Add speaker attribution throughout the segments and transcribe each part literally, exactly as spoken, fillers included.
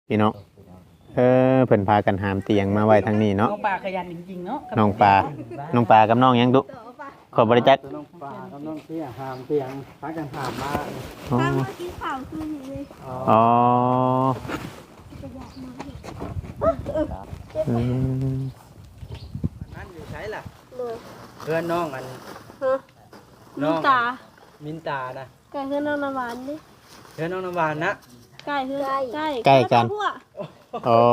Speaker 1: พี่น้องเออเพิ่นพากันหามเตียงมาไว้ทางนี้เนาะ
Speaker 2: น้องปลาขยันจริงๆเนาะ
Speaker 1: น้องปลาน้องปลากับน้องยังดุขอบริจัก
Speaker 3: น้องปลากับน้องเตี้ยหามเตียงพากันหามมา
Speaker 1: อ๋อ
Speaker 4: ข้าวมากินข้าวคืนนี้เลย
Speaker 1: อ๋อ
Speaker 4: จะอยากมาเห็น
Speaker 1: อืม
Speaker 3: นั่นอยู่ใช้ล่ะ
Speaker 4: เลย
Speaker 3: เพื่อนน้องอัน
Speaker 4: ฮะ
Speaker 3: น้
Speaker 4: มิ
Speaker 3: อน ง
Speaker 4: ตา
Speaker 3: มินตานะ
Speaker 4: ไก่เพื่อนน้องน้ำหวานดิ
Speaker 3: เพื่อนน้องน้ำหวานนะ
Speaker 4: ไก่เพื่อนไก่
Speaker 1: ใกล้กัน
Speaker 4: พวก
Speaker 1: อ๋อ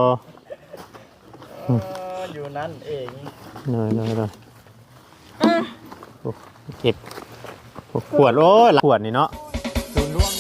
Speaker 3: เอออยู่นั่นเอง
Speaker 1: เนยเนยเนย
Speaker 4: อ่ะ
Speaker 1: เก็บขวดโอ้ยขวดนี่เนาะศูนย์รวม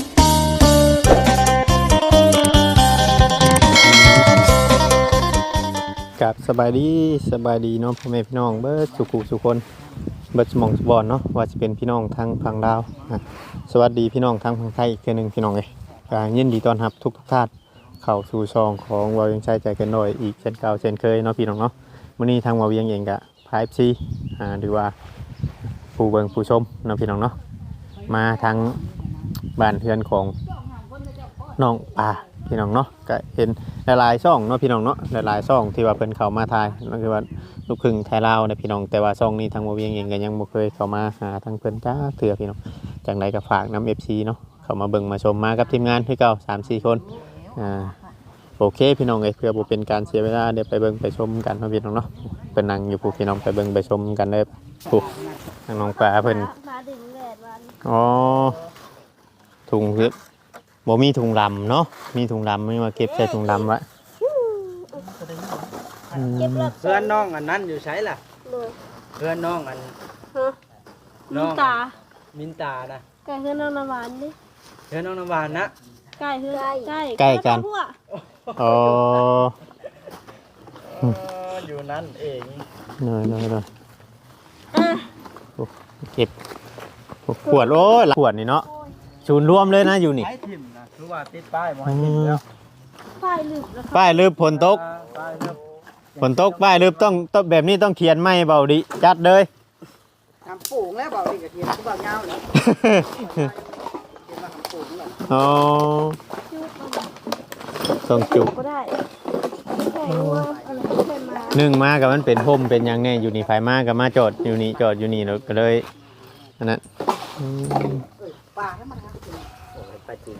Speaker 1: กับสบายดีสบายดีเนาะพ่อแม่พี่น้องเบิร์ดสุขุสุคนเบิร์ดสมองสบอนเนาะว่าจะเป็นพี่น้องทางฝั่งดาวอ่ะสวัสดีพี่น้องทางฝั่งไทยอีกเทื่อหนึงพี่น้องเลยก็ยินดีต้อนรับทุกทุกท่านเข้าสู่ช่องของวาเวียงชัยใจเกันหน่อยอีกเช่นเก่าเช่นเคยเนาะพี่น้องเนาะวันนี้ทางวาเวียงเองกะพายซีอ่าหรือว่าผู้เบิ่งผู้ชมเนาะพี่น้องเนาะมาทางบ้านเพื่อนของน้องป่าพี่น้องเนาะก็เห็นหลายๆช่องเนาะพี่น้องเนาะหลายๆช่องที่ว่าเพิ่นเข้ามาถ่ายนั่นคือว่าลูกครึ่งไทยลาวนะพี่น้องแต่ว่าช่องนี้ทางวาเวียงเองก็ยังบ่เคยเข้ามาหาทางเพิ่นจ้าเถื่อพี่น้องจังไดก็ฝากนำ เอฟ ซี เนาะเข้ามาเบิ่งมาชมมากับทีมงานคือเก่า สามสี่ คนอ่าโอเคพี่น้องเอ้ยเพื่อบ่เป็นการเสียเวลาเดี๋ยวไปเบิ่งไปชมกันเนาะพี่น้องเนาะเพิ่นนั่งอยู่ผู้พี่น้องไปเบิ่งไปชมกันเลยผู้ทางน้องปลาเพิ่น
Speaker 4: มาดึงแดดวัน
Speaker 1: อ๋อถุงคือบ่มีถุงลำเนาะมีถุงลำไม่มาเก็บใส่ถุงลำไว้อืม
Speaker 4: เก็บรถ
Speaker 3: เพื่อนน้องอันนั้นอยู่ใช้ล่ะ
Speaker 4: เลย
Speaker 3: เพื่อนน้องอัน
Speaker 4: ฮะ
Speaker 3: น้
Speaker 4: มิ
Speaker 3: อน ง
Speaker 4: ตา
Speaker 3: มินตานะ
Speaker 4: ไก่เพื่อนน้องน้ำหวานดิ
Speaker 3: เพื่อนน้องน้ำหวานนะ
Speaker 4: ไก่เพื่อนไก่
Speaker 1: ใกล้กัน
Speaker 4: พวก
Speaker 1: อ๋อ
Speaker 3: เอออยู่นั่นเอง
Speaker 1: เนยเนยเนย
Speaker 4: อ่ะ
Speaker 1: เก็บขวดโอ้ยขวดนี่เนาะศูนย์รวมเลยนะอยู่นี่
Speaker 3: ใช้ทิมนะคือว่าติดป้ายบ่ให้ทิมแล้ว
Speaker 4: ป้ายลืมแล้วครับ
Speaker 1: ป้ายลืบฝนตก
Speaker 3: ป้ายเริ่ม
Speaker 1: ฝนตกป้ายลืบต้องต้องแบบนี้ต้องเขียนไม่เบาดิจัดเลย
Speaker 2: ทำปุ๋งแล้วบอกอีกกระเทียมก็บอกเงาเลยเทียมมาทำปุ๋งเลย
Speaker 1: อ๋อ
Speaker 4: จุ๊บ
Speaker 1: ต้องจุก
Speaker 4: ก็ได้ไก่ว่าอะไรก็เป็นมา
Speaker 1: หนึ่งมากับมันเป็นพรมเป็นหยังแน่อยู่นี่ไฟมากับมาจอดอยู่นี่จอดอยู่นี่แล้วก็เลยอันนั้นอืม
Speaker 2: ปลาให้มันทำ
Speaker 3: โอ้ยไปจริง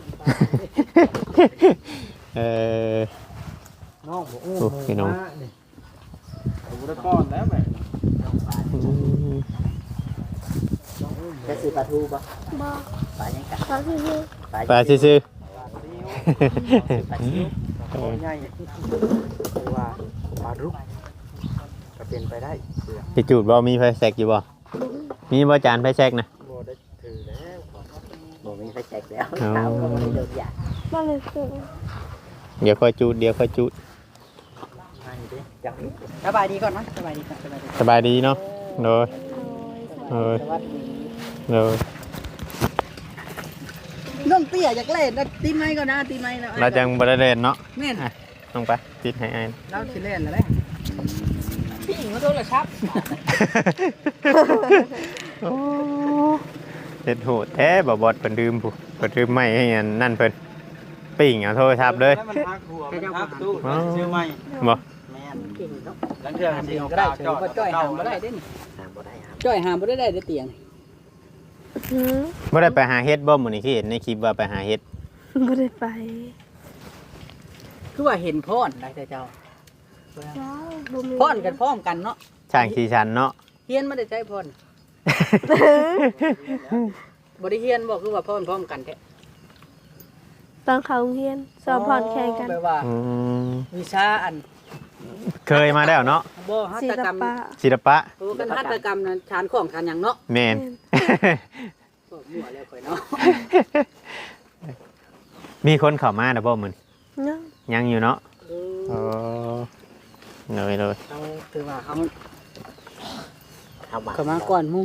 Speaker 1: เออ
Speaker 3: น้องบอกอู้
Speaker 1: โอ้พี่น้อง
Speaker 3: มานี่ผมได้ป้อนแล้วแม่
Speaker 2: แค่ซื้อปลาทูปะ
Speaker 4: บอก
Speaker 2: ปลายังกัด
Speaker 4: ตอนที่นี่
Speaker 1: ปลาซื่อ
Speaker 3: ปลาซิวปลาซิวใหญ่เพราะว่าปลารุกก็เป็นไปได้เสือ
Speaker 1: ๆพี่จูดบ่มีไฟแซกอยู่บ่มีบ่จานไฟแซกนะ
Speaker 3: บ่ได้ถือแล้ว
Speaker 2: บ่มีไฟแจกแล้ว
Speaker 1: อ๋อ
Speaker 2: เท้าก็ไม่ได้เดินยาก
Speaker 4: บ้านเลยคือ
Speaker 1: เดี๋ยวค่อยจูดเดี๋ยวค่อยจูด
Speaker 3: ให้ดิจัง
Speaker 2: สบายดีก่อนมั้ยสบายดีก่อนสบายดี
Speaker 1: สบายดีเนาะโดยโดย
Speaker 2: สวัสดี
Speaker 1: โดย
Speaker 2: น้องเตี้ยอยากเล่นนะตีไม้ก่อนนะตีไม้นะ
Speaker 1: เราจังบ่ได้เล่นเนาะ
Speaker 2: แม่น
Speaker 1: ลงไปปิดให้อ้าย
Speaker 2: เราสิเล่นแล้วแหละพี่หญิงมาโทรศัพท์
Speaker 1: โอ้เฮ็ดโหดแท้บ่บอดเพิ่นลืมผู้เพิ่นลืมไม้ให้อันนั่นเพิ่นปิ้งเอาโทรศัพท์เลย
Speaker 3: มันพักหัวมันพักตู้ซื้อใหม่
Speaker 1: บ่
Speaker 3: แม่น
Speaker 2: เก่งเนาะ
Speaker 3: หลังเทื่อมันสิเอา
Speaker 2: ก็
Speaker 3: กา
Speaker 2: ได้
Speaker 3: ว
Speaker 2: เฉย
Speaker 3: จอด
Speaker 2: บ่จ้อยหามบ่ได้เด้นี่หามบ่ได้หามจ้อยหามบ่ได้ได้เด้เตียง
Speaker 4: หืม
Speaker 1: บ่ได้ไปหาเฮ็ดบ่มื้อนี้คือเห็นในคลิปว่าไปหาเฮ็ด
Speaker 4: ไม่ได้ไป
Speaker 2: คือว่าเห็นพ่อนได้แต่เจ้า
Speaker 4: เจ้าบ่มี
Speaker 2: พ่อนกันพร้อมกันเนาะ
Speaker 1: ช่างสีชันเนาะ
Speaker 2: เฮียนไม่ได้ใช้พ่อนบ่ได้เฮียนบ่คือว่าพ่อนพร้อมกันแท้
Speaker 4: ตอนเขาโรงเรียนสอบผ่อนแข่งกัน
Speaker 2: แปลว่า
Speaker 1: อืม
Speaker 2: วิชาอัน
Speaker 1: เคยมาแล้วเนาะ
Speaker 2: บ่หัต
Speaker 4: ศิ
Speaker 2: ถ
Speaker 4: ล
Speaker 2: กรรม
Speaker 4: ปะ
Speaker 1: ศิลปะ
Speaker 2: โอ้กันหัตถกรรมนั้นชานของชานหยังเนาะ
Speaker 1: แม่น
Speaker 2: ก็มั่วแล้วข่อยเนาะ
Speaker 1: มีคนเข้ามาแล้วบ่มื้อนี้
Speaker 4: เนาะ
Speaker 1: ยังอยู่เนาะ
Speaker 2: เอ
Speaker 1: อ๋อ
Speaker 2: อ
Speaker 1: เลยเลย
Speaker 2: เราถือว่าเขาเข้ามาก่อนหมู่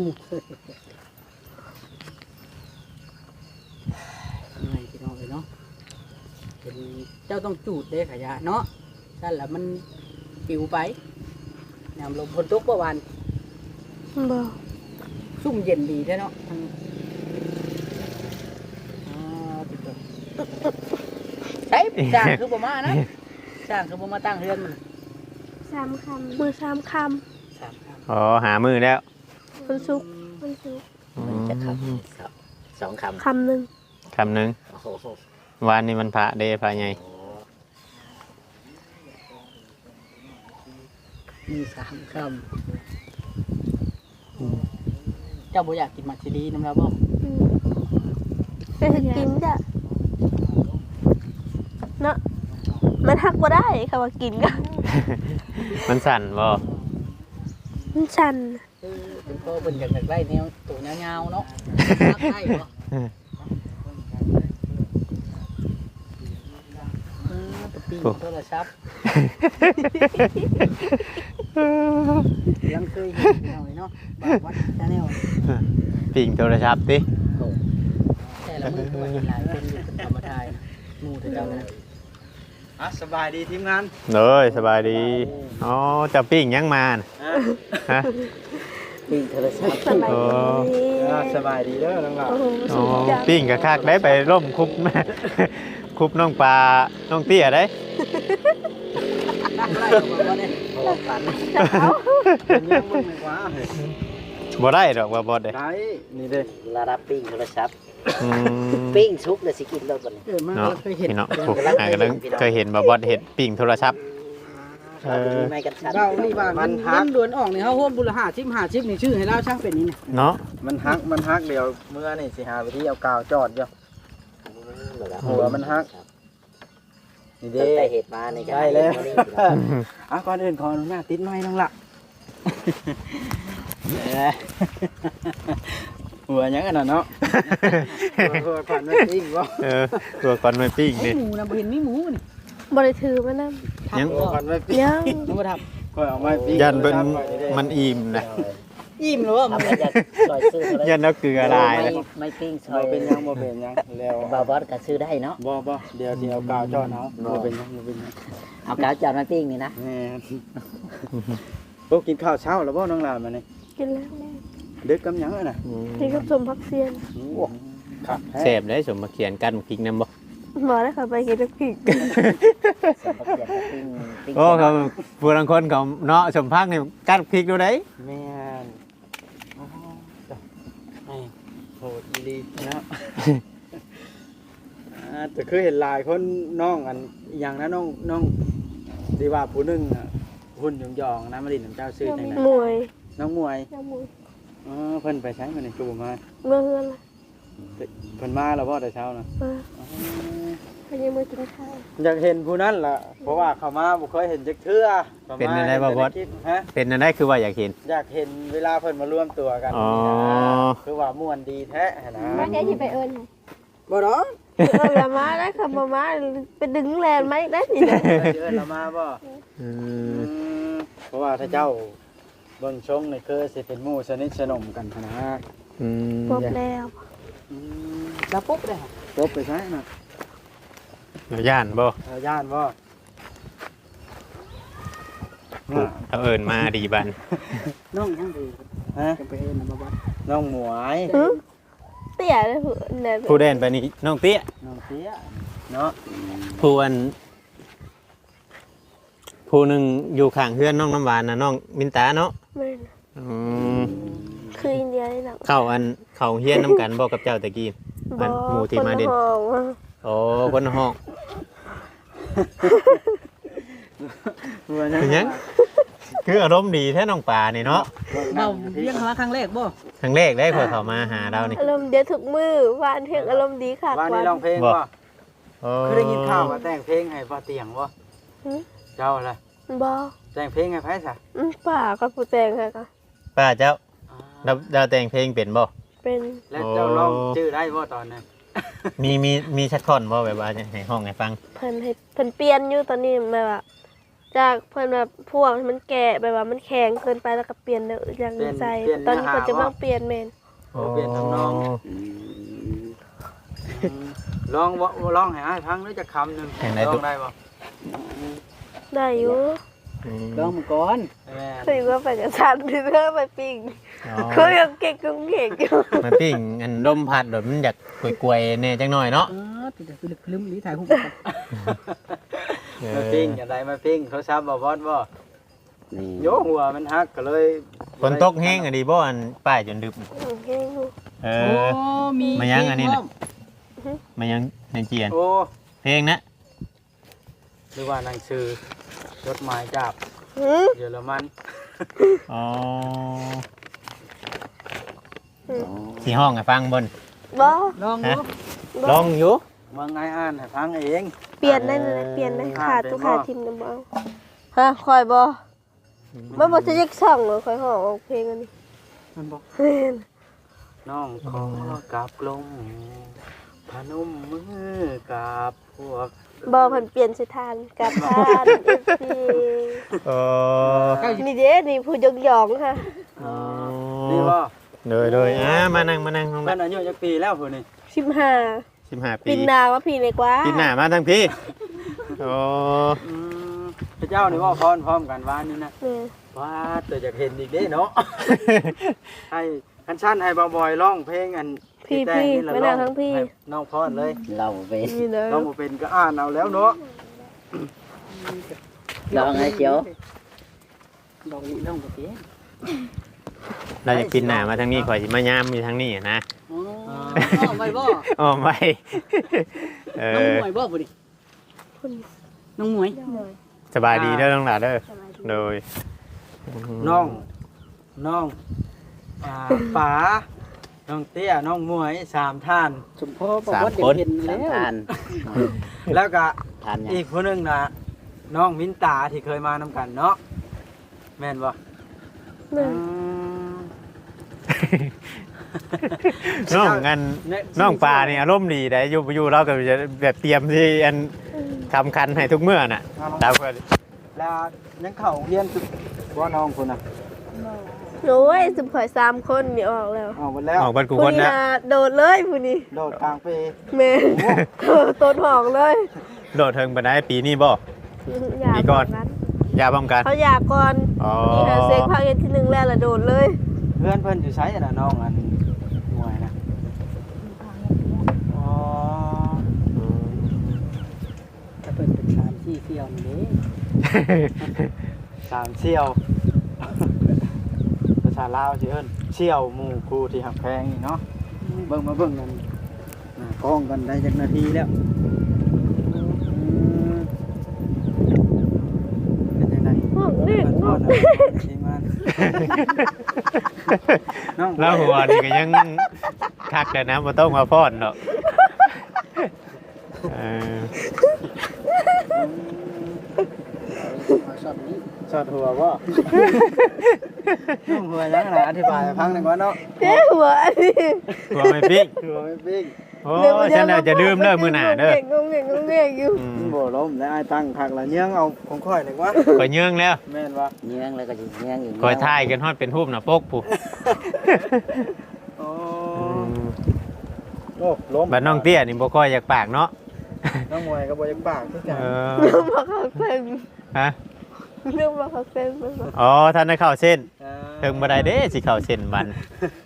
Speaker 2: ยังไงพี่น้องเอ้ยเนาะเป็นเจ้าต้องจูดเด้ขยะเนาะนั่นแหละมันปิวไปน้ำลมฝนตกเมื่อวาน
Speaker 4: บอก
Speaker 2: ซุ่มเย็นดีแท้เนาะทางอ่าติดตัวใช้จ้างคือบ่มานะจ้างคือบ่มาตั้งเฮือนมัน
Speaker 4: สามคำมือสามค
Speaker 2: สามค
Speaker 1: อ๋อหามือแล้ว
Speaker 4: ำมันสุกมันสุก
Speaker 5: มันจะคำสองคำ
Speaker 4: คำหนึ่ง
Speaker 1: คำหนึ่ง
Speaker 5: โอ้โห
Speaker 1: วานนี้มันพระเดพระไง
Speaker 2: ำมีสามคำเจ้าบ่อยากกินมักซีดีน้ำเราบ่
Speaker 4: อืมไปถึงกินจ้ะเนาะมันหักบ่ได้ค่ะว่ากินก็
Speaker 1: มันสั่นบ่
Speaker 4: มันชัน
Speaker 2: เออเป็นพ่อเป็นอยากได้แนวตัวยาวๆเนาะมักได้บ่เออไปปิ้งโทรศัพท์ยังเคยเห็นเอาเนาะบางวัดชาแนล
Speaker 1: ปิ่งโทรศัพท์ติ
Speaker 2: แต่ละมือก็ว่าเห็นหลายคนอยู่ธรรมทายหมู่แต่เจ้านะ
Speaker 3: อ่ะสบายดีทีมงาน
Speaker 1: เลยสบายดีอ๋อจะปิ่งยังมาน่ะ
Speaker 3: อ่ะ
Speaker 1: ฮะ
Speaker 5: ปิ้งโทรศัพท์
Speaker 4: สบายดี
Speaker 3: อ่ะสบายดีเด้อน้องหล่ะ
Speaker 4: โอ้โห
Speaker 1: อ๋
Speaker 4: สุ
Speaker 1: อ
Speaker 4: ดจัง
Speaker 1: ปิ่งกะคักได้ไปร่มคุบ แม่ คุบน้องปลาน้องเตี้ยได้
Speaker 2: ไล่ออกมาบ่เนี่ย
Speaker 5: โอ้ฝัน
Speaker 3: เป็นยังมึงไม่ว่า
Speaker 1: บ่ได้ดอกว่าบ่ได้
Speaker 3: ได้นี่เด้
Speaker 5: ระดับปิ้งโทรศัพท์
Speaker 1: อืม
Speaker 5: ปิ้งชุกเลยสิกินแล้วก่อน
Speaker 2: เกิดมา
Speaker 1: เนาะ
Speaker 2: เคยเห็น
Speaker 1: พี่เนาะโอ้อ่าก็เลยเคยเห็นบ่บ่เห็นปิ่งโทรศัพท์ เออ
Speaker 5: ไม่กันชัน
Speaker 2: เรานี่ว่ามันเงินด่วนออกนี่เฮาโฮมบุรหาชิมหาชิมนี่ชื่อให้เราช่างเป็นนี่เนี่ย
Speaker 1: เนาะ
Speaker 3: มันฮักมันฮักเดี๋ยวเมื่อนี่สิหาวิธีเอากาวจอดอยู่หัวมันฮักนี่
Speaker 5: ตั้
Speaker 3: เด้
Speaker 5: งแต่เหตุมาใน
Speaker 3: ได้แล้ว อ่ะก่อนอื่นขออนุญาตติดไม้น้องละเอ้ยหัวยังอันน่ะเนาะหัวหัวผ่านไม่ติ้งบ่
Speaker 1: เออตัวก่อนไม่ปิ้ง
Speaker 2: ไอ้
Speaker 1: นี่
Speaker 2: หมูนะบ่เห็นมีหมูนี่
Speaker 4: บริถือมานำ
Speaker 1: ยัง
Speaker 3: หัวผ่านไม่ปิ้ง
Speaker 4: ยัง
Speaker 2: นึกว่าท
Speaker 3: ค่อยเอาไม้ปิ้ง
Speaker 1: ยันเป็นมันอิ่มนะ
Speaker 2: ำอิ่มหรือว่ามัน
Speaker 5: ทำให้จะซอยซื้อโทรศัพท์
Speaker 1: ยันเอาเกลือลาย
Speaker 5: ไม่
Speaker 1: นะ
Speaker 5: ไม่ปิ้งซอ
Speaker 3: บ่
Speaker 5: ย
Speaker 3: เป็นยังบ่เป็นยังแล้ว
Speaker 5: บาบอสก็ซื้อได้เนาะ
Speaker 3: บ่บ่เดี๋ยวสิเอากาวจอดเอาบ่เป็นยังบ่เป็นยัง
Speaker 5: เอากาวจานมาปิ้งนี่นะ
Speaker 3: แม่นพวกกินข้าวเช้าแล้วบ่น้องหลานมานี่
Speaker 4: กินแล้วแม่
Speaker 3: ดึกกำยังอะน่ะ
Speaker 4: กินกับสมพักเซียน
Speaker 3: โอ้ครับ
Speaker 1: เสพได้สมมาเขียนกันพริกน้ำบ่
Speaker 4: หมอได้ค่ะไปกินกับพริก
Speaker 5: สมบัติปิ้งปิ้ง
Speaker 1: โอ้เขาผู้บางคนเขาเนาะสมพักนี่กันพริกดูได้
Speaker 3: แม่นโอ้จ้ะไอ้โหดอีหลีเนาะ อ่าแต่คือเห็นหลายคนน้องอันอหย่างนะน้องน้องที่ว่าผู้หนึงอะหุ่นยองๆนะมาดินน้ำเจ้าซื้อจังได๋
Speaker 4: มวย
Speaker 3: น้องมวย
Speaker 4: น้ำมวย
Speaker 3: อ๋อเพิ่นไปใช้มาในกลุ่มมา
Speaker 4: เมื่อเฮือนละ
Speaker 3: เพิ่นมาแล้วบ่แต่เช้านะ
Speaker 4: มา
Speaker 3: อ๋อ
Speaker 4: พยังมือกินข้าว
Speaker 3: อยากเห็นผู้นั้นล่ะเพราะว่าเขามาบ่เคยเห็นจักเทื่อขามา
Speaker 1: เป็นอะไรบ่บอส
Speaker 3: เห็นแต่ในคลิปฮะ
Speaker 1: เป็นอะไรคือว่าอยากเห็น
Speaker 3: อยากเห็นเวลาเพิ่นมาร่วมตัวกัน
Speaker 1: อ๋อ
Speaker 3: นี่นะคือว่าม่วนดีแท้นะ
Speaker 4: มาแกที่ไปเอิญ
Speaker 2: บ่ดอก
Speaker 4: เอิญละมาได้ค่ะมามาไปดึงแลนไหมได้สินะ
Speaker 3: ไปเชิญเรามาบ่
Speaker 1: อื
Speaker 3: อื
Speaker 1: ม
Speaker 3: มเพราะว่าถ้าเจ้าเบิ่งชงนี่คือสิเป็นหมู่สนิทสนมกันหั้นนะ
Speaker 1: อืม
Speaker 4: พบแล้ว
Speaker 3: อืม
Speaker 2: แล้วปุ๊บเลยค่ะ
Speaker 3: จบไปใช่น่ะ
Speaker 1: เราย่านบ่
Speaker 3: เอาย่านบ่
Speaker 1: ผู้เอาเอิญมาดีบัน
Speaker 2: น้องยังดี
Speaker 3: ฮะ
Speaker 2: จะไปเอิ้นนะบ่บ่
Speaker 3: น้องหมวย
Speaker 4: หึเตี้ยเลยผู้เนี่ย
Speaker 1: ผู้เด่นไปนี่น้องเตี้ย
Speaker 3: น้องเตี้ยเนาะ
Speaker 1: ผู้อันผู้หนึ่งอยู่ข้างเฮือนน้องน้ำหวานนะน้องมินตาเนาะ
Speaker 4: แม่น
Speaker 1: อืม
Speaker 4: คืออินเดียนี่หนัง
Speaker 1: เข้าอันเข้าเฮียนน้ำกันบอกกับเจ้าตะกี้อันหมู่ที่มาเด่น
Speaker 4: คนห้องว่า
Speaker 1: โอ้คนห้อง
Speaker 3: หัว
Speaker 1: เป็นหยังคืออารมณ์ดีแท้น้องป่านี่เนาะ
Speaker 2: เบาเลี้ยงมาครั้งแรกบ่
Speaker 1: ครั้งแรกได้พอเขามาหาเรานี่
Speaker 4: อารมณ์เดียวทุกมือวานเพลงอารมณ์ดีค่ะ
Speaker 3: ว่านี่ร้องเพลง
Speaker 1: บ่
Speaker 3: บ่
Speaker 1: โอ้
Speaker 3: เคยได้ยินข่าวว่าแต่งเพลงให้ป้าเตียงบ่
Speaker 4: หึ
Speaker 3: เจ้าล่ะ
Speaker 4: บอ
Speaker 3: แต่งเพลงให้ไผซะ
Speaker 4: อืมป่ากับผู้แจงค่ะก็
Speaker 1: ป้าเจ้า
Speaker 3: อ่า
Speaker 1: เราเราแต่งเพลงเป็นบ่
Speaker 4: เป็น
Speaker 3: แล้วเจ้าร้องชื่อได้บ่ตอนนั้น
Speaker 1: มีมีมีชักท่อนบ่แบบว่าให้ห้องให้ฟัง
Speaker 4: เพิ่นให้เพิ่นเปลี่ยนอยู่ตอนนี้แบบว่าจากเพิ่นแบบพวกมันแก่แบบว่ามันแข็งเกินไปแล้วก็เปลี่ยนเด้ออย่างใส่ตอนนี้เพิ่นจะมาเปลี่ยนแม่น
Speaker 3: โอ้เปลี่ยนทำนองลองบ่ลองให้อ้ายฟังหรือจะคำหนึงลองได้บ่
Speaker 4: ได้อยู่
Speaker 1: อืม
Speaker 2: ลองมาก่อน
Speaker 3: แม่
Speaker 4: คือว่าไปกับฉันที่เธอไปปิ้ง
Speaker 1: อ๋อ
Speaker 4: คือยังเก่งกุ้งเก่งอยู่
Speaker 1: มาปิ้งอันลมพัดโดดมันอยากกลวยๆแน่จังหน่อยเนาะ
Speaker 2: เออแต่คือลืมหรือถ่ายรูปกัน
Speaker 3: มาปิ้งอย่างไรมาปิ้งเขาซับบอบอสบ่
Speaker 5: นี่
Speaker 3: โยหัวมันหักก็เลย
Speaker 1: ฝนตกแห้งอะดีบ่อันป้ายจนดึบ
Speaker 4: อืมแห้งอยู่
Speaker 1: เอ
Speaker 2: โอ้
Speaker 1: อ
Speaker 2: มี
Speaker 1: มายังอันนี้น่ะ มันยังในเจียน
Speaker 3: โอ้
Speaker 1: เพลงนะ
Speaker 3: หรือว่าหนังสือจดหมายจาก
Speaker 4: หืม
Speaker 3: เยอรมัน
Speaker 1: อ๋อ
Speaker 5: อ๋อ
Speaker 1: สีห้องให้ฟังบน
Speaker 4: บ่
Speaker 2: ลองดู
Speaker 1: ลองอยู่
Speaker 3: เมืองไงอ่านให้ฟังเอง
Speaker 4: เปลี่ยนได้เลยเปลี่ยนได้
Speaker 3: อ่า
Speaker 4: ขาด
Speaker 3: เป็น
Speaker 4: ตุก
Speaker 3: บ่
Speaker 4: ขาดทิมนำบ่เอาฮะคอยบ่มันบ่จะยักช่องเหรอคอยห้องออกเพลงอันนี้
Speaker 3: มันบอก
Speaker 4: แม่น
Speaker 3: น้องขอกราบลงพนมมือกราบพวก
Speaker 4: บ่เพิ่นเปลี่ยนสถานกับทาน เอฟ ซี
Speaker 1: เออ
Speaker 4: นี่เด้นี่ผู้ยกยองค่ะ
Speaker 1: อ๋อ
Speaker 3: นี่บ่
Speaker 1: เลยเลยอ่ามานั่งมานั่งน้อง
Speaker 3: มั
Speaker 1: ละ
Speaker 3: นอายุจักปีแล้วพุ่นนี่
Speaker 4: สิบห้า
Speaker 1: สิบห้าปี
Speaker 4: ปินนาว่าพี่เลยกว่า
Speaker 1: ปีหน้ามาทั้งพี่โอ้
Speaker 3: อืมพระเจ้านี่ว่าพรพร้อมกันว่านี่นะ
Speaker 4: แม่
Speaker 3: ว่าตัวอยากเห็นอีกเด้เนาะ ให้คันชั้นให้บ่าวบอยร้องเพลงอัน
Speaker 4: พี่
Speaker 3: แต่ง
Speaker 4: พี่
Speaker 3: นี่ละ
Speaker 4: ไม่
Speaker 3: ร้
Speaker 4: นา
Speaker 3: อง
Speaker 4: ทั้งพี่
Speaker 3: ให้น้องพรเลย
Speaker 5: เราเป็น
Speaker 4: นี่เด้อ
Speaker 3: น้องบ่เป็นก็อ่านเอาแล้วเนาะ
Speaker 5: เราไงเจียว
Speaker 2: ดอกนี้น้องบ่เปลี่ยน
Speaker 1: เราจะกินหน้ามาทางนี้ข่อยสิมายามอยู่ทางนี้นะ
Speaker 2: อ๋อไปบ่
Speaker 1: อ๋อไม่ เอ
Speaker 2: น้อง
Speaker 1: อ
Speaker 2: หมวยบ่บ่ดิน้องหมวย
Speaker 1: สบายดีเด้อน้องหลาเด้อโดย
Speaker 3: น้องน้องอ่าป๋าน้องเตี้ยน้องมวยสามท่าน
Speaker 2: สมพ่อบอกว่าเด็กเห็น
Speaker 5: สา
Speaker 2: แล้
Speaker 5: ม
Speaker 2: ว
Speaker 5: ทาน
Speaker 3: แล้วก็
Speaker 5: ทานยัง
Speaker 3: อีกผู้หนึงน่ะน้องมินตาที่เคยมานำกันเนาะแม่นบ่
Speaker 4: แม่
Speaker 3: อืม
Speaker 1: น้องกันน้องปลานี่อารมณ์ดีได้อยู่อยู่เราก็จะแบบเตรียมที่อันทำคันให้ทุกเมื่อน่ะตามเพิ่น
Speaker 3: แล้วยังเข้าโรงเรียนสุดว่าน้องคนน่ะ
Speaker 4: โอ้ยสุข่อยสามคนนี่ออกแล้ว
Speaker 3: ออกหมดแล้ว
Speaker 1: ออกบ้านกู
Speaker 4: ผู้
Speaker 1: คน
Speaker 4: นี้
Speaker 1: นะ
Speaker 4: น่ะโดดเลยผู้นี้
Speaker 3: โดดกลางปี
Speaker 4: แม่เออต้นหอกเลย
Speaker 1: โดดเทิงไปได้ปีนี้บ่
Speaker 4: อย่า
Speaker 1: มีก่อน
Speaker 4: แบบ
Speaker 1: ยาป้องกัน
Speaker 4: เขาอยากก่อน
Speaker 1: อ๋อ
Speaker 4: นี่หาเซ็กภาคเย็นที่หนึ่งแล้วละโดดเลย
Speaker 3: เพื่อนเพิ่นอยู่ไสน่ะน้องอันมวยนะอ๋อ
Speaker 2: ถ้าเปิดเป็นสามสี่เสี่ยวนี่
Speaker 3: สามเชี่ยวภาษาลาวสิเอิ้นเชี่ยวหมู่ครูที่หักแพงนี่เนาะเบิ่งมาเบิ่งกันหน้ากล้องกันได้จักนาทีแล้วอืมเป็นจังได
Speaker 4: ห้องเด็ก
Speaker 3: น้องทีมงานน้อง
Speaker 1: แล้วหัวนี่ก็ยังคักเลยนะบ่ต้องมาฟ้อนดอกเออ
Speaker 2: ชอบนี้
Speaker 3: สอดหัวบ่น้องหัวยังไงอธิบายให้ฟังหน่อยก่อนเนาะ
Speaker 4: เจ๊หัวอันนี้
Speaker 1: หัวไม่ปิ๊ก
Speaker 3: หัวไม่ปิ้ง
Speaker 1: โอ้ฉันน่ะจะลืมเด้อมื้อหน้าเด้อง
Speaker 4: งเงงงเงงอยู่
Speaker 1: อืม
Speaker 3: บ่ล้มแล้วไอ้ตั้งผักละเนื้องเอาของค่อยหน่อยวะ
Speaker 1: ข่อยเยื่องแล้ว
Speaker 3: แม่นว่า
Speaker 5: เนื้องแล้วก็จะเนื้องอีก
Speaker 1: ข่อยถ่ายกันฮอดเป็นรูปหน้าปกผู้
Speaker 3: โอ้
Speaker 1: อืม
Speaker 3: โอ้ล้ม
Speaker 1: บัดน้องเตี้ยนี่บ่ค่อยอยากปากเนาะ
Speaker 3: น้องมวยก็บ่อยังปากคือกัน
Speaker 1: เออ
Speaker 4: เรื่องมาเขาเส้น
Speaker 1: ฮะ
Speaker 4: เรื่องมาเขาเส้นมันบอก
Speaker 1: อ๋อท่านได้เข้าเส้น
Speaker 3: เออ
Speaker 1: ถึงบ่ได้เด้สิเข้าเส้นบัน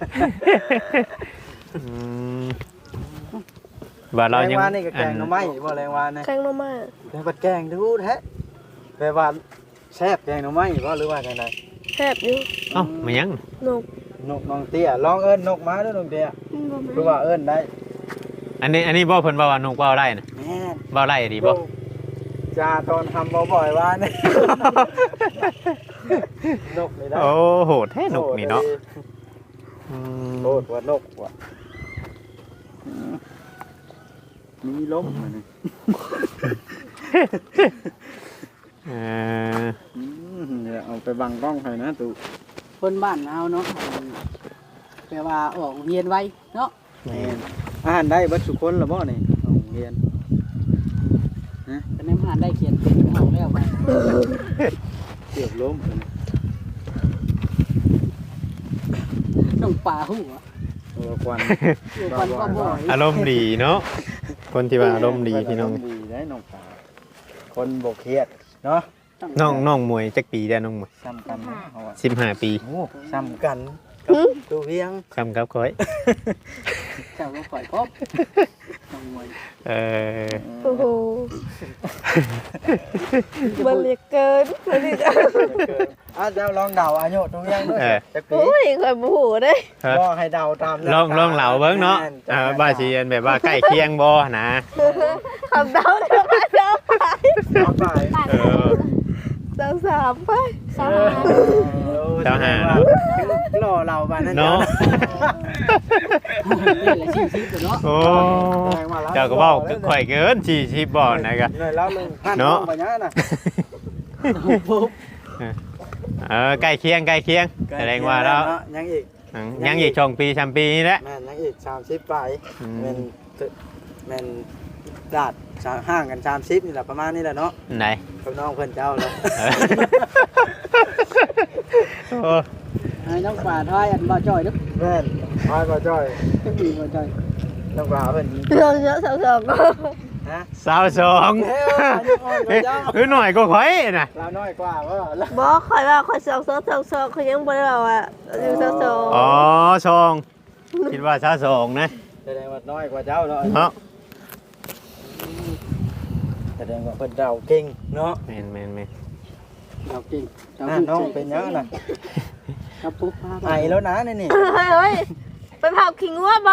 Speaker 1: อืมว่าเรา
Speaker 3: แรง
Speaker 1: ยัง
Speaker 3: วานนี่ก็แกงหน่อไม้บ่แรงวานนะ
Speaker 4: แข้งมามา
Speaker 3: แกงปัดแกงดูแท้แปลว่าแซ่บแกงหน่อไม้บ่หรือว่าจังได
Speaker 4: แทบอยู่
Speaker 1: เอ้ามันยัง
Speaker 4: นก
Speaker 3: นกน้องเตี้ยลองเอิ้นนกมาเด้อน้องเตี้ยคือว่าเอิ้นได้
Speaker 1: อันนี้อันนี้บ่เพิ่นว่าว่านกเว้าได้นะ
Speaker 3: แม่น
Speaker 1: เว้าได้ดีบ่
Speaker 3: จาตอนทำบ่อยๆว่านี่ นกนี่ได้
Speaker 1: โอ้โหแท้นกนี่เนาะอืม
Speaker 3: โลดว่านกว่ะมีล้มมานี่
Speaker 1: เออ
Speaker 3: อืมเดี๋ยวเอาไปบังกล้องให้นะตู่
Speaker 2: คนบ้านเอาเนาะแปลว่าออกเรียนไวเนาะ
Speaker 3: แม่นอ่านได้เบิดทุกคนละบ่นี่เอาเรียน
Speaker 2: แต่ในมหาได้เขียนเป็นห้องแล้วไป
Speaker 3: เกือบล้ม
Speaker 2: น้องป่าหู้อะ
Speaker 3: โอ้ควัน
Speaker 2: อยู่กันก็บ่อย
Speaker 1: อารมณ์ดีเนาะคนที่ว่าอารมณ์ดีพี่น้อง
Speaker 3: ดีได้น้องตาคนบ่เครียดเนาะ
Speaker 1: น้องน้องมวยจักปีได้น้องมวย
Speaker 3: ซ้ำกันเนาะเขาว่า
Speaker 1: สิบห้าปี
Speaker 3: โอ้ซ้ำกันกับตู้เวียง
Speaker 1: คำกับข่อย
Speaker 2: เจ้าก็ปล่อยพบน้องมวย
Speaker 1: เออ
Speaker 4: โอ้โหมันเรียกเกินมันเรียก
Speaker 3: อ่ะเจ้าลองเดาอายุตู้เวียงด้วยจักปี
Speaker 4: โอ้ยข่อยบ่ฮู้เด้
Speaker 1: ฮะ
Speaker 3: บ่ให้เดาตาม
Speaker 1: ลองลองเหลาเบิ่งเนาะอ่าบ้าสิอันแบบว่าใกล้เคียงบ่นะ
Speaker 4: คำเดาเดี๋ยวมาเดาไป
Speaker 3: เอาไป
Speaker 1: เออ
Speaker 4: เดาสามไปสาม
Speaker 1: เจ้าหา
Speaker 3: รอเราบ้านนั่น
Speaker 1: เนาะ
Speaker 2: นี่แหละชีวิตเนาะ
Speaker 1: โอ้เจ้าก็เว้าข่อยเกินสี่สิบบ่นะครับ
Speaker 3: เลยแล้วเลยพัน
Speaker 1: เนาะ
Speaker 3: ปัญญาน่ะ
Speaker 2: ปุ๊บ
Speaker 1: เออใกล้เคียงใกล้เคียงแสดงว่าแล้ว
Speaker 3: ยังอีก
Speaker 1: ยังอีกช่องปีชามปีนี่แหละ
Speaker 3: แม่นยังอีกสามสิบปลาย
Speaker 1: อืม
Speaker 3: แม่นแม่นดาดห่างกันสามสิบนี่แหละประมาณนี้แหละเนาะ
Speaker 1: ไหน
Speaker 3: กับน้องเพื่อนเจ้าแล้ว
Speaker 1: เออโอ้
Speaker 2: ให้น้องป่าทายอันบ่จ่อยเด้อ
Speaker 3: แม่นพายมาจ้อย
Speaker 2: จะมีบ่จ่อย
Speaker 3: น้องปลาเพิ่น
Speaker 4: เรื่องเยอะสองสอง
Speaker 3: ฮะ
Speaker 1: สาวสองเอ้ยคือหน่อยก็ข่อยน่ะ
Speaker 3: เราน้อยกว่าว่าแล้ว
Speaker 4: บอกข่อยว่าข่อยสองสองสองสองข่อยยังบ่ได้บอกว่าอยู่สองสอง
Speaker 1: อ๋อสองคิดว่าสาวสองนะ
Speaker 3: แสดงว่าน้อยกว่าเจ้าเนาะ
Speaker 1: เนาะ
Speaker 3: แสดงว่าเพิ่นเดาเก่งเนาะ
Speaker 1: แม่นแม่นแม่น
Speaker 2: เราจริงเรา
Speaker 3: อ่ะน้องเป็นยังน่ะ
Speaker 2: ครับปุ๊บพา
Speaker 3: ไอแล้วนะนี่นี่
Speaker 4: เฮ้ยเฮ้ยไปเผาขิงวัวบ่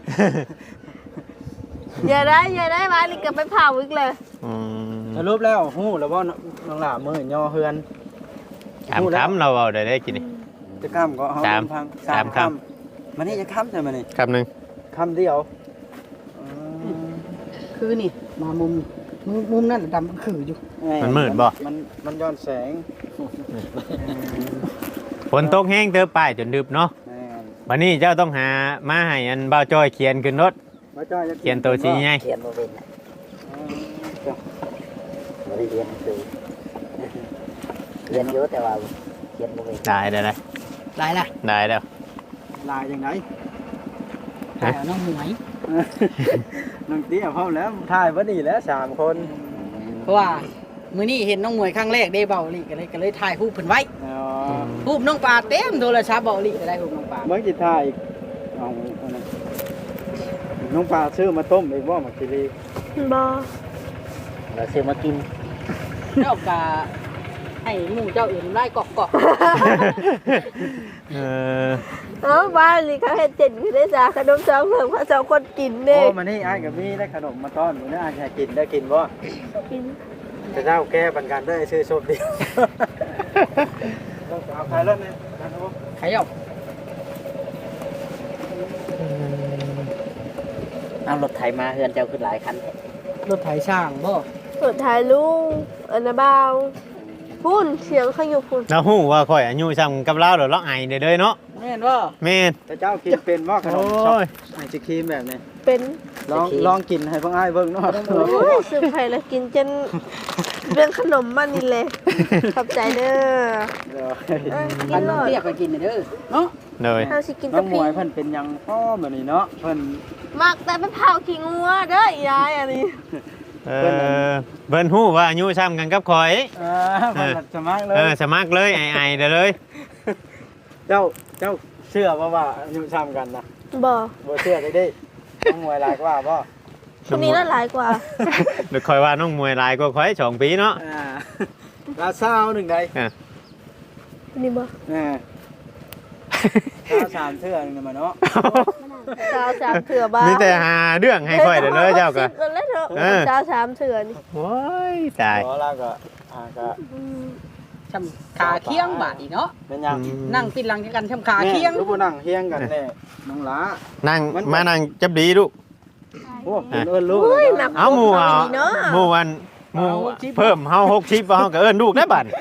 Speaker 4: อย่าได้อย่าได้มาลิกกับไปเผาอีกเลย
Speaker 1: อืม
Speaker 3: สรุปแล้วฮู้แล้วบ่น้องหล่ามื้อย่อเฮือน
Speaker 1: ถามคำเราเอาได้ได้กินนี่
Speaker 3: จะข้ามก็เฮา
Speaker 1: สาม
Speaker 3: พัง
Speaker 1: สามค
Speaker 3: มันนี่จะข้ามใช่มั้ยนี่
Speaker 1: คำหนึ่ง
Speaker 3: คำเดียวอืม
Speaker 2: คือนี่มามุมมุมมุมนั่นดำคืออยู่
Speaker 1: มันมืดบ่
Speaker 3: มันมันย้อนแสง
Speaker 1: ฝนตกแห้งเติบป้ายจนดึบเนาะ
Speaker 3: แม่น
Speaker 1: วันนี้เจ้าต้องหามาให้อันเบาจอยเขียนขึ้นรถ
Speaker 3: บ่จ้อยจะ
Speaker 1: เขียนตัวชี้ไง
Speaker 5: เขียนบ่เป็นน่ะ
Speaker 3: อืมจ้ะ
Speaker 5: บ่ได้เรียนหนังสือเรียนอยู่แต่ว่าเขียนบ่เป็น
Speaker 1: ได้ได้ได้
Speaker 2: หลายล่ะ
Speaker 1: ได้แล้ว
Speaker 3: ลายจังได
Speaker 2: แต่น้องหมวย
Speaker 3: น้องเตี้ยพร้อมแล้วถ่ายบ่ดีแล้วสามคน
Speaker 2: เพราะว่ามื้อนี้เห็นน้องหมวยครั้งแรกได้เบาลีก็เลยก็เลยถ่ายรูปเพิ่นไว้
Speaker 3: อ๋อ
Speaker 2: รูปน้องปลาเต็มโทรศัพท์เบาลีก็ได้รูปน้องปลา
Speaker 3: เมื่อกี้ถ่ายเอาอันนั้นน้องปลาซื้อมาต้มอีกบ่มากิรี
Speaker 4: บ่
Speaker 5: เราซื้อมากิน
Speaker 2: เจ้ากะให้หมู่เจ้าอื่นได้กอกกอก
Speaker 1: เออ
Speaker 4: เออบ้านนี่เขาเฮ็ดเจ็ดคือได้จ้าขนมสองเพิ่งพระสองคนกินเด้
Speaker 3: โอ้มานี่อ้ายกับมีได้ขนมมาต้อนมื้อนี้อ้ายให้กินได้กินบ่
Speaker 4: กิน
Speaker 3: จะเจ้าแก้ปันกันได้ซื้อโซบเดียวต้องเอาใครรถเนี่ยกันโอ้
Speaker 2: ใครเอา
Speaker 5: เอารถไถมาเฮือนเจ้าขึ้นหลายคันแท้
Speaker 2: รถไถช่างบ่
Speaker 4: สุดท้ายลุงอันนะบ่าวพุ่นเสียงเขาอยู่พุ่น
Speaker 1: เราหู้ว่าข่อยอายุซ้ำกับเราเดี๋ยวเราไอเด้อเด้อเนาะ
Speaker 2: แม่นบ่
Speaker 1: แม่น
Speaker 3: แต่เจ้ากินเป็นบ่ขน
Speaker 1: โอ้
Speaker 3: มช็อก
Speaker 1: ย
Speaker 3: ไอศครีมแบบนี้
Speaker 4: เป็น
Speaker 3: ลองลองกินให้พวกอ้ายเบิ่งเนาะ
Speaker 4: โอ้ยสืบไผ่ละกินจนเรื่องขนมมันนี่เลยขอบใจเด้อ
Speaker 3: เดี๋ยว
Speaker 4: เอ้ยกิ
Speaker 2: อัน
Speaker 4: น
Speaker 2: น้อง
Speaker 4: เลย
Speaker 2: เรียกไปกินเด้อเนาะ
Speaker 1: เลย
Speaker 4: เฮาสิกิน
Speaker 3: น้
Speaker 4: แตะ
Speaker 3: องม
Speaker 4: พี
Speaker 3: วยเพิ่นเป็นหยังพ่อแบบนี้เนาะเพิ่น
Speaker 4: มักแต่ไปเผาขี้งัวเด้อยายอันนี้
Speaker 1: เออเบิ่นหู้ว่าอายุซ้ำกันกับข่อย
Speaker 3: อ่าเพิ่นสมัครเล
Speaker 1: เอย อสมัครเลยไอไอเด้อเลย
Speaker 3: เจ้าเจ้าเชื่อบ่ว่าอายุซ้ำกันนะ
Speaker 4: บ่
Speaker 3: บ่เชื่อได้ดิน้องมวยหลายกว่าบ่
Speaker 4: คนนี้น่าหลายกว่า
Speaker 1: เดี๋ยวคอยว่าน้องมวยหลายกว่าข่อยสองปีเนาะ
Speaker 3: อ่าลาซาวหนึ่งใด
Speaker 4: คนนี้บ่
Speaker 3: อ่าข้าวสามเทื่อหนึงน่ะมาเนาะ
Speaker 4: สาวสามเถื่อบ้า
Speaker 1: มีแต่หาเรื่องให้ข่อยเด้อเลยเจ้าก็
Speaker 4: สิบกันแล้วเถอะ
Speaker 1: เออ
Speaker 4: สาวสามเถื่อนี่
Speaker 1: โอ้ยตาย
Speaker 3: ขอแล้วก็อ่าก็
Speaker 4: อืม
Speaker 2: ชำขาเคียงบาดอีเนาะ
Speaker 3: เป็นหยัง
Speaker 2: นั่งปิดหลังกันชำขาเคียง
Speaker 3: แม่รู้บ่นั่งเฮียงกันแน่น้องหลา
Speaker 1: นั่ง
Speaker 3: มัน
Speaker 1: มานั่งจับดีลูก
Speaker 3: โอ้เป็นเอิ้นลูก
Speaker 4: โอ้ย
Speaker 3: เลย
Speaker 4: หนั
Speaker 3: นะ
Speaker 4: ก
Speaker 1: เอาหมู่เอา
Speaker 4: ดีเนาะ
Speaker 1: หมู่วันหมู่เพิ่มเฮาหกชิปเฮาก็เอิ้นลูกได้บัด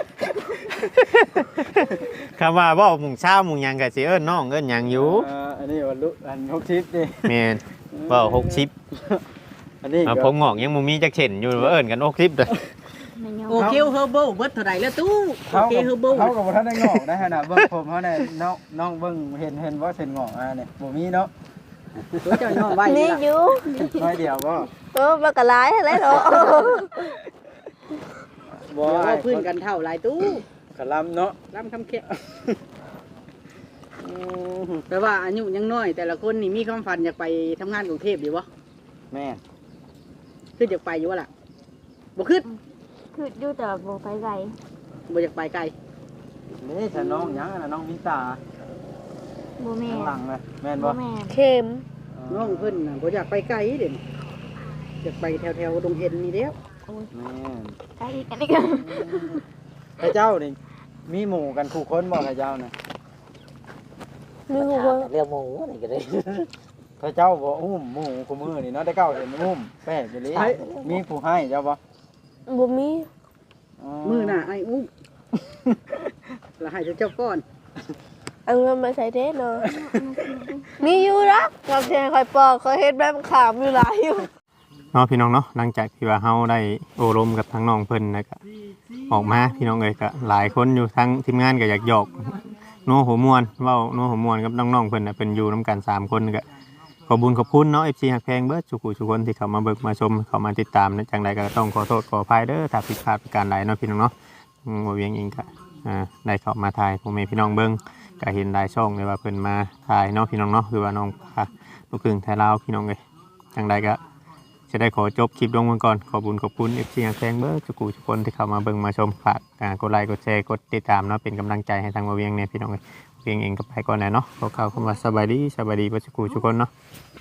Speaker 1: คำว่าเว้าหมู่เช้าหมู่หยังก็สิเอิ้นน้องเอิ้นหยังอยู่
Speaker 3: เอ่ออันนี้ว่าลูกอันหกชิปนี่
Speaker 1: แม่นเว้าหกชิป
Speaker 3: อันนี้
Speaker 1: เอา
Speaker 3: ก็
Speaker 1: ผมงอกยังบ่มีจักเช่นอยู่ว่าเอิ้นกันหกชิปเด้อ
Speaker 2: โอเคเฮอร์เบิลเบิดเท่าไหร่แล้วตู้โอ
Speaker 3: เขา
Speaker 2: เค
Speaker 3: กับ
Speaker 2: เฮอร์เบิล
Speaker 3: เขากับบ่ทันได้งอกนะฮะน่ะเบิ่งผมเขาเนี่ยน้องน้องเบิ่งเห็นเห็นว่าเส้นงอกอ่าเนี่ยบ่มีเนาะ
Speaker 2: ตัวเจ้าน้องไว้
Speaker 4: นี่
Speaker 2: นี่
Speaker 4: อยู่
Speaker 3: น้อยเดียวบ่
Speaker 4: เออมันก็หลายอะไรเนาะ
Speaker 3: บ่
Speaker 2: เดี๋ยว
Speaker 3: อ้า
Speaker 2: ว่าย พื้นกันเท่าไรตู้
Speaker 3: กะลำเนาะ
Speaker 2: ลำคำเคียง
Speaker 3: อืม
Speaker 2: แปลว่าอายุยังน้อย แต่ละคนนี่มีความฝันอยากไปทำงานกรุงเทพอยู่บ่
Speaker 3: แม่น
Speaker 2: คืออยากไปอยู่วะล่ะบ่ขึ้น
Speaker 6: คืออยู่แต่บ่ไปไกล
Speaker 2: บ่อยากไปไกล
Speaker 3: นี่ฉันน้องหยังน่ะน้องมินตา
Speaker 6: บ่แม่
Speaker 3: ข้างหลังเลยแม่น
Speaker 6: บ่
Speaker 3: บ่
Speaker 6: แม่
Speaker 4: เข็ม
Speaker 2: น้องเพิ่นน่ะบ่อยากไปไกลเด่นอยากไปแถวๆดงเห็นนี่เด้ว
Speaker 3: แม่น
Speaker 6: ไกลกันอีก
Speaker 3: พระเจ้านี่มีหมู่กันคู่คนบ่พระเจ้าน่ะ
Speaker 4: มีหัว
Speaker 5: เรื่องหมูนี่ก็ได้
Speaker 3: พระเจ้าบ่อุ้มหมู่คู่มือนี่เนาะแต่เก้าเห็นอุ้มแป้อยู่เลยมีผู้ให้เจ้าบ่
Speaker 4: บ่มี
Speaker 2: มือหน้าไอ้อุ้มแล้วให้เจ้าก้อน
Speaker 4: เอาเงินมาใส่เด้เนาะมีอยู่นะกับเชียงคอยปอกเขาเฮ็ดแบบขามอยู่หลายอยู่
Speaker 1: เนาะพี่น้องเนาะหลังจากที่ว่าเฮาได้โอรมกับทั้งน้องเพิ่นนะก็ออกมาพี่น้องเอ้ยก็หลายคนอยู่ทั้งทีมงานก็อยากหยอกโน้หัวม่วนเว้าโน้หัวม่วนกับน้องๆเพิ่นน่ะเป็นอยู่นํกันสามคนก็ขอบุญขอบคุณเนาะ เอฟ ซี ฮักแพงเบิดทุกผู้ทุกคนที่เข้ามาเบิกมาชมเข้ามาติดตามนะจังใดก็ต้องขอโทษขออภัยเด้อถ้าผิดพลาดประการใดเนาะพี่น้องเนาะอืมบ่เวียงเองก็อ่าได้เข้ามาถ่ายพ่อแม่พี่น้องเบิ่งก็เห็นหลายช่องเลยว่าเพิ่นมาถ่ายเนาะพี่น้องเนาะคือว่าน้องพาลูกครึ่งไทยลาวพี่น้องเอ้ยจังใดก็จะได้ขอจบคลิปลงกันก่อนขอบุญขอบคุณ เอฟ ซี ฮักแพงเบิดทุกผู้ทุกคนที่เข้ามาเบิ่งมาชมฝากอ่ากดไลค์กดแชร์กดติดตามเนาะเป็นกำลังใจให้ทางบ่เวียงเนี่ยพี่น้องเอ้ยเวียงเองก็ไปก่อนแหละเนาะขอข่าวคำว่าสบายดีสบายดีเบ่ทุกผู้ทุกคนเนาะ